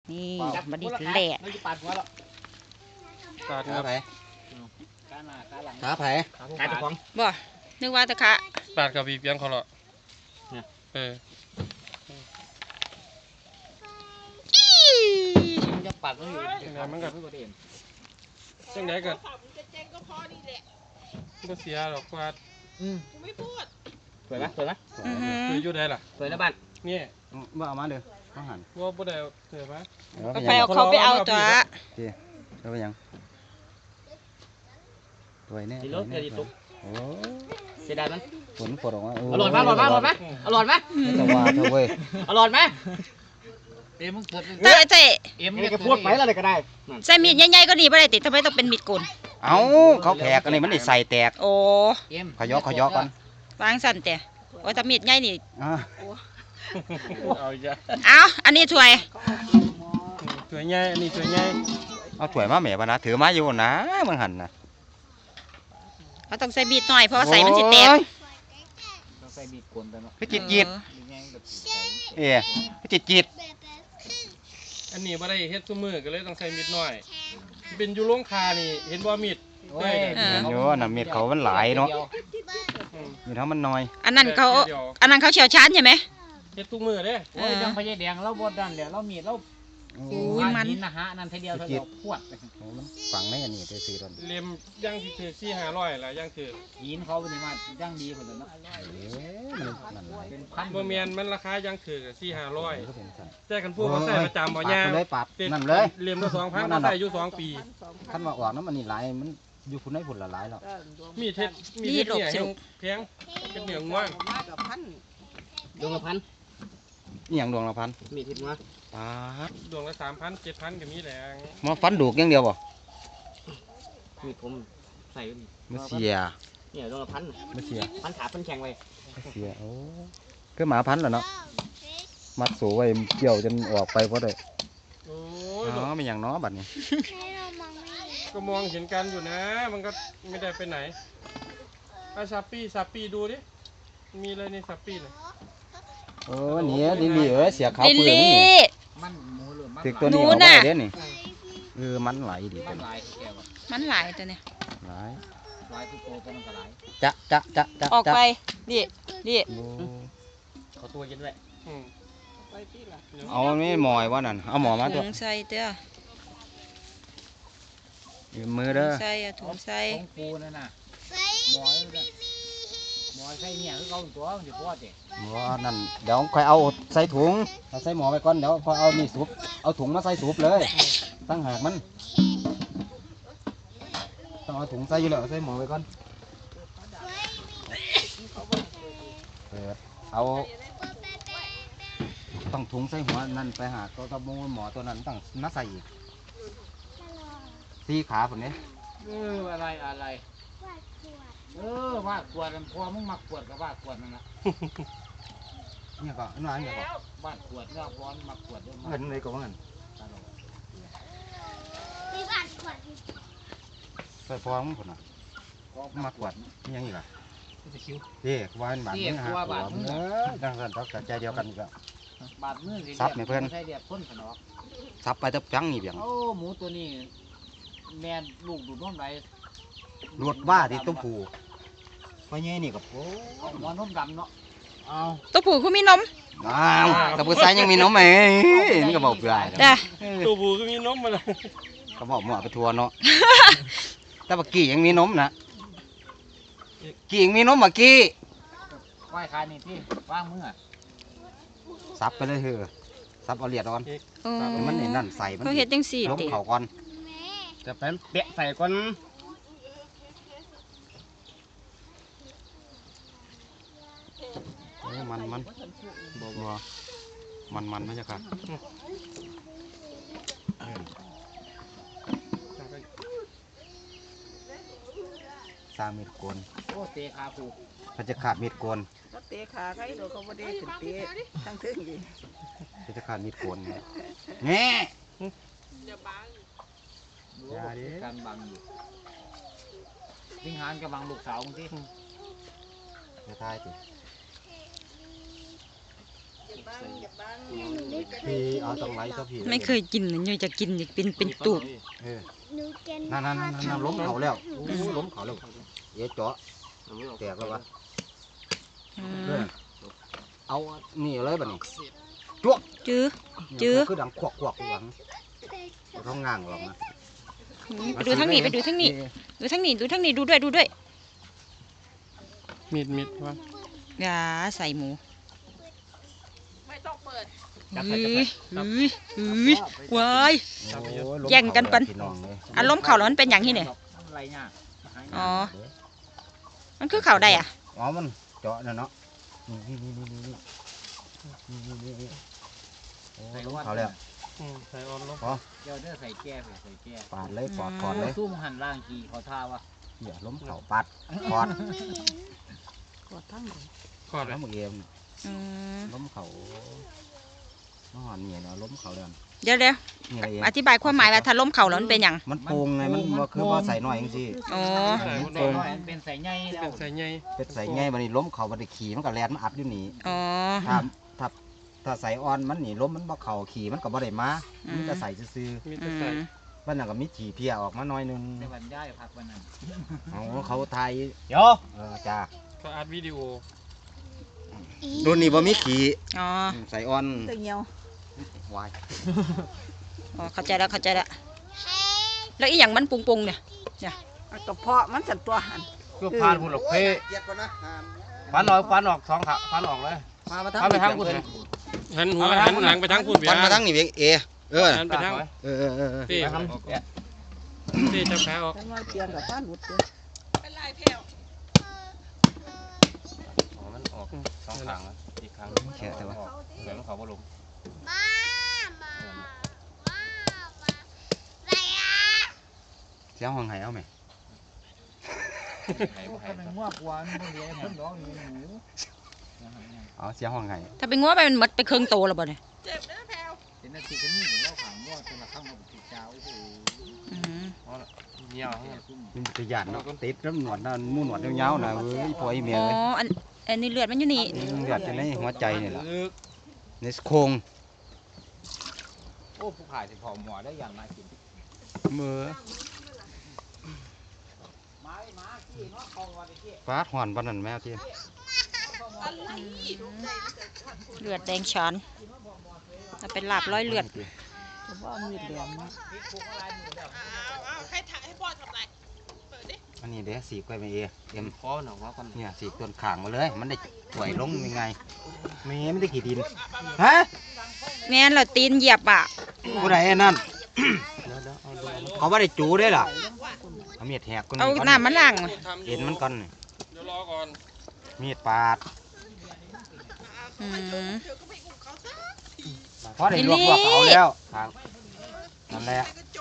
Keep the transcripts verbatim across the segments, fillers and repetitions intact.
นี่บัดนี้แหละปาดหัวแล้วปาดหัวไผ่ขาไผ่ขาจะฟ้องบ่นึกว่าตะคะปาดกับบีบยังเขาเหรอเออจะปาดมันอยู่มันก็จังไดก็ก็เสียหรอกว่าอืมไม่พูดสวยไหมสวยไหมคืออยู่ได้ล่ะสวยนะบ้านนี่ว่าเอามาเด้อเขาหันว่าบ่ได้เสือปะไปเอาเขาไปเอาจ้ะเจ๊แล้วไปยังตัวนี้ดิลุกดิลุกโอ้เสียดายมั้ยฝนฝนออกมาอร่อยมั้ยอร่อยมั้ยอร่อยมั้ยอร่อยมั้ยจะว่าเถอะเว้ยอร่อยมั้ยเอ็มมึงเกิดแต่เจ๊เอ็มนี่ก็พูดไปแล้วเลยก็ได้ใส่มีดใหญ่ๆก็ดีบ่ได้ติทำไมต้องเป็นมีดโกนเอ้าเขาแผลกันนี่มันได้ใส่แตกโอ้ขยอขยอกันวางสั่นแต่โอ้ถ้ามีดใหญ่นี่เอาจ้ะเอาอันนี้ถ้วยถ้วยใหญ่อันนี้ถ้วยใหญ่เอาถ้วยมาแม่บ่นะถือมาอยู่นะมึงหันนะเขาต้องใส่มีดหน่อยเพราะใส่มันสิแตกต้องใส่มีดโกนแต่เนาะคือจิตจิตเอ๊ะคือจิตจิตอันนี้บ่ได้เฮ็ดซุมื้อก็เลยต้องใส่มีดน้อยเป็นอยู่โรงคานี่เห็นบ่มีดโอ้ยโยน่ะมีดเขามันหลายเนาะมีดเขามันน้อยอันนั้นเขาอันนั้นเขาเชี่ยวชาญใช่ไหมเฮ็ดทุกมื้อเด้โอ้ยยังพญาแดงเราบดดันเดี๋ยวเรามีดเราอุ้ยมันนะฮะนั่นทีเดียวเท่าเดียวพวดมันฝังในอันนี้ได้ซื้อตอนเล่มย่างที่ถือสี่ห้าร้อยล่ะย่างถือหินเขาเป็นมาย่างดีคนละเนาะเป็นพันบ่แม่นมันราคาย่างถือสี่ห้าร้อยแต่คันพูดว่าใส่ประจำบ่ยากเลยปาดนั่นเลยเล่มละสองพันก็ใส่อยู่สองปีคันว่าออกน้ำมันนี่หลายมันอยู่พุ่นได้พุ่นละหลายแล้วมีเท็ดมีเท็ดเนี่ยแพงเป็นเหนียวง่วงดวงละพันนี่อย่างดวงละพันมีทิศมาปาดดวงละสามพันเจ็ดพันก็มีแหลงมาฟันดูกอย่างเดียวบ่มีผมใส่มาเสียเนี่ยดวงละพันมาเสียพันขาพันแข็งไว้เสียโอ้คือหมาพันเหรอเนาะมัดสูไว้เกี่ยวจนออกไปเพราะได้โอ้ยอ๋อเป็นอย่างน้อบัดนี้ก็มองเห็นกันอยู่นะมันก็ไม่ได้ไปไหนไอ้ซาปี้ซาปี้ดูดิมีอะไรในซาปี้เลยโอ้เนี่ยดิลี่เออเสียเขาเปลือกนี่มันหมูหรือมันตึกตัวนี้ออกไปเด้นี่เออมันไหลดิมันไหลมันไหลตัวนี้ไหลไหลทุกโตตัวมันก็ไหลจะจะจะจะออกไปดิดิเขาตัวยันแหละเอาไม่หมอยว่านั่นเอาหมอมาตัวถุงใส่เด้อมือเด้อใส่ถุงใส่ของปูนั่นน่ะหมอยหมอยใส่เนี่ยคือเขาตัวมันจะพอดเด็กหมอนั่นเดี๋ยวค่อยเอาใส่ถุงเอาใส่หมอไปก่อนเดี๋ยวพอเอานี่สูบเอาถุงมาใส่สูบเลยตั้งหากมันต้องเอาถุงใส่อยู่แล้วใส่หมอไปก่อนเปิดเอาต้องถุงใส่หัวนั่นไปหาก็ต้องมูหมอตัวนั้นต้องมาใส่อีกสี่ขาผมเนี่ยเอออะไรอะไรเออว่าขวดพอมึงมักขวดกับว่าขวดนั่นแหละเนี่ยก็นั่นเนี่ยก็บ้านขวดเนี่ยร้อนมักขวดด้วยเงินเลยก็เงินใส่ฟองมึงคนน่ะมักขวดนี่ยังอีกอ่ะเด็กวานบาดมือหาหัวเออดังนั้นต้องใจเดียวกันก็บาดมือซับเนี่ยเพื่อนซับไปตับจังนี่เบียงโอ้หมูตัวนี้แม่ลูกดูดน้ำไหลรวดบ้าที่ต้มผูไปเงี้ยนี่กับโอ้หัวนมดำเนาะเอาตัวผูเขามีนมอ้าวกับผู้ชายยังมีนมไหมนี่ก็บอกเปล่าจ้ะตัวผูก็มีนมมาเลยก็บอกหมอไปทัวร์เนาะแต่เมื่อกี้ยังมีนมนะกี่ยังมีนมเมื่อกี้ว่ายคายนี่ที่ว่างมือซับไปเลยเถอะซับเอาเลียดก่อนมันเห็นนั่นใส่มันเขาเห็ดจังสี่ล้มเข่าก่อนจะเป็นเปะใส่ก่อนมันมันบัวมันมันไม่ใช่ค่ะสร้างมีดโกนโอ้เตะขาผูเขาจะขาดมีดโกนเตะขาใครเราเขาไม่ได้ขึ้นเตะทั้งทึ่งดิเขาจะขาดมีดโกนแง่อย่าบังการบังอยู่วิ่งหานกับบังลูกสาวมึงสิจะทายสิพี่เอาตรงไหนก็พี่ไม่เคยกินเลยเนี่ยจะกินอยากเป็นเป็นตูบเออนั่นนั่นนั่นนั่นล้มเขาแล้วโอ้ล้มเขาแล้วเดี๋ยวเจาะแตกแล้ววะอืมเออเอานี่เลยบัดนี้จื้อ จื้อคือดังควักควักหลังท้องง่างหรอกนะไปดูทั้งนี้ไปดูทั้งนี้ดูทั้งนี้ดูทั้งนี้ดูด้วยดูด้วยมีดมีดวะยาใส่หมูไม่ต้องเปิดเฮ้ยเฮ้ยเฮ้ยว้ายโอ้ล้มแย่งกันปันพี่น้องเลยอารมณ์เข่าแล้วมันเป็นอย่างที่ไหนอะไรเนี่ยอ๋อ มันคือเข่าได้อ่ะอ๋อมันเจาะน่ะเนาะนี่นี่นี่นี่นี่นี่นี่นี่โอ้ล้มเขาแล้วอืมใส่ออนลงเดี๋ยวเด้อใส่แก้ใส่แก้ปาดเลยปอดถอดเลยซุ่มหันล่างกีเขาท่าวะเดี๋ยวล้มเขาปาดถอดกดทั้งหมดขอดเลแล้ยวมึงเอ็มอืมล้มเขานอนเนี่ยเนาะล้มเขาแล้วเดี๋ยวเดี๋ยวนี่อะไรเองอธิบายความหมายว่าถ้าล้มเข่าแล้วมันเป็นอย่างมันโป่งไงมันบ่คือว่าใส่หน่อยจังซี่อ๋อใส่ใส่น้อยเป็นใส่ใหญ่แล้เป็วนใส่ใหญ่เป็ดใส่ไงบัดนี้ล้มเขาบัดนี้ขี่มันก็แล่นมันอัดอยู่นี่อ๋อถ้าถ้าถ้าใส่อ่อนมันนี่ล้มมันบ่เข่าขี่มันก็บ่ได้มาอืมมันจะใส่ซื่อมีอืแต่ใส่มๆมันน่ะก็มีขี่เพียออกมาหน่อยหนึงในวันย่ายพักวันนั้นเอาเขาไทยเดี๋ยวเออจ้าก็อัดวิดีโอรุ่นนี้บ่มีขี่อ๋อใส่อ่อนตึงเหี่ยววายอ๋อเข้าใจแล้วเข้าใจแล้วแล้วอีหยังมันปุงปุงๆเนี่ยเอากระเพาะมันสั่นตัวหันคือพานบุญหลกเพ่เกียดก่อนนะฟันออกฟันออกสองขาฟันออกเลยมามาฟันไปทางคุณหันหัวหันหลังไปทางคุณเบียฟันร์มาทางนี่เว้ยเอเออหันไปทางเออเออเออเออเต้เต้จับขาออกจังว่าเปลี่ยนกับฟ้าหลุดเด้ออ๋อมันออกสองข้างแล้วอีกข้างแค่แต่ว่าเดี๋ยวมันเขาบ่ลงเสียงห้องไห้เอาไหมไหนบ่ไหนเป็นง่วงกวนมันเลี้ยงคนร้องนี่หมูเอาเสียงห้องไห้ถ้าเป็นงัวไปมันหมดไปเครื่องโตแล้วบ่เนี่ยเป็นนาทีก็นี่ถึงเล่าขางง่วงจนละข้างมาบุกเจ้าโอ้โหอืมเงี้ยวมันจะหยาดเนาะติดน้ำหนวดน่ะมูหนวดยาวๆน่ะเว้ยพ่อไอ้เมียอ๋อเอ้ยอันอันนี้เลือดมันอยู่นี่หยาดอยู่ในหัวใจนี่ล่ะลึกในโครงโอ้ผู้ขายสิพอหมอได้อย่างมากินมือไม้มาขี้เนาะคองวันนี้ฟาดหอนปานนั้นแม่ที่เลือดแดงฉานจะเป็นลาบร้อยเลือดเฉพาะมีดแหลมนะอันนี้เด้สีกไว้ไปเอเอ็มคอหนอกว่ากันเนี่ยสีกต้นขางมาเลย มันได้ป่วยลงยังไงแม่ไม่ได้ขี่ดินฮะแม่นเราตีนเหยียบอ่ะผู้ใดไอ้นั่นเดี๋ยวเดี๋ยวเอาดูเขาไม่ได้จูได้ล่ะเอามีดแหกก้นเอาก่อนน้ำมันล้างเอ็นมันก่อนเดี๋ยวรอก่อนมีดปาดอืมเพราะได้ลวกลวกเอาแล้วครับนั่นแหละ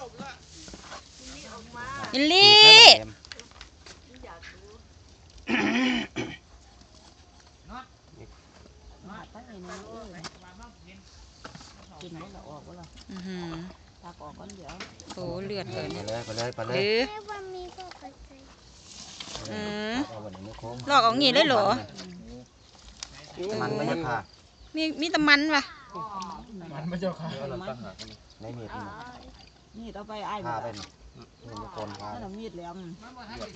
ยินลี่มาตั้งไอ้นี่เอ้ยกินมันละออกบ่ล่ะอื้อหือตักออกก่อนเดี๋ยวโอ้เลือดเลยไปเนี่ยเลยไปเลยไปเลเอย อ อืมเอาไว้ในมือโค้งลอกเอางี้เลยเหรอมันไม่ใช่ผ้ามีมีแตะมันว่ะมันไม่เจ้าค่ะเดี๋ยวเราตั้งหากันในมีดนี่มีดเอาไปอ้ายผ้าบ่เป็นนี่มือคนผ้านั่นนะมีดแหลม